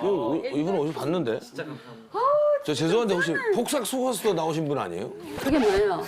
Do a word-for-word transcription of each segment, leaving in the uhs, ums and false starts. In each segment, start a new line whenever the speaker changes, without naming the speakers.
이거, 이분 어디서 봤는데? 저 죄송한데 혹시 폭삭 속았수도 나오신 분 아니에요?
그게 뭐예요?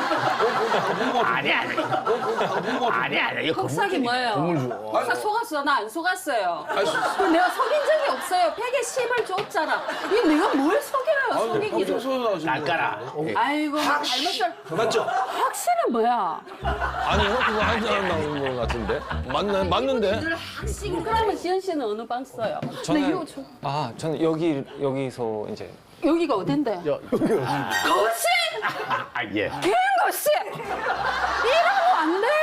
아니 아니. 아니 아니. 이거
폭삭이 뭐예요? 폭삭 속았어? 나 안 속았어요.
아니,
그 내가 속인 적이 없어요. 백에 십을 줬잖아. 이게 내가 뭘 속여요, 속이기를.
폭삭 속아서 나오신 분.
날까라.
아이고, 뭐 잘못을.
맞죠?
확실은 뭐야?
아니 이거 그거 한 사람 나오는 거 같은데? 맞네, 맞는데?
늘 확신. 그러면 지현 씨는 어느 방 써요?
저는-
나 이거 좀-
아, 저는 여기 여기서 이제
여기가 어딘데? 거실!
아 예.
개 거실! 이러면 안 돼요!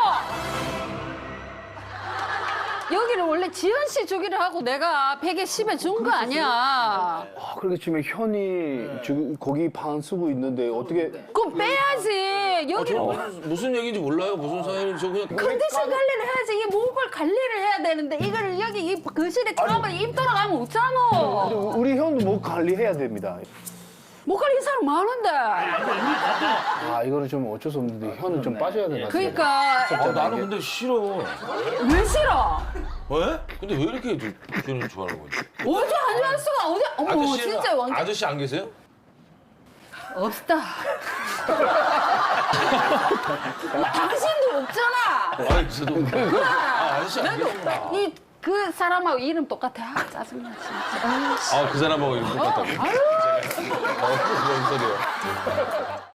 여기를 원래 지현 씨 주기로 하고 내가 백에 십에 준 거 아니야.
아, 그렇게 치면 현이 지금 거기 방 쓰고 있는데 어떻게
그럼 빼야지.
저
여기를
무슨, 무슨 얘기인지 몰라요. 무슨 사연인지 저 그냥
컨디션 관리를 해야지. 이 목을 관리를 해야 되는데 이거를 여기 이 거실에 처음에 입 돌아가면 없잖아.
우리 현도 뭐 관리해야 됩니다.
목 관리 사람 많은데.
아, 이거는 좀 어쩔 수 없는데 현은 좀 빠져야 되나?
그러니까
아, 나는 근데 싫어.
왜 싫어?
왜? 근데 왜 이렇게 표현을 좋아하는 거지?
어디 안 좋아할 수가 어디? 어머
아저씨,
진짜 왕
아저씨 안 계세요?
없다. 당신도 없잖아.
아니, 저도. 아, 아저씨 안
나도
계시구나.
없다. 이 그 사람하고 이름 똑같아. 아, 짜증나 진짜. 아유, 씨.
아, 그 사람하고 이름 똑같다고?
아유.
어, 뭔 소리야.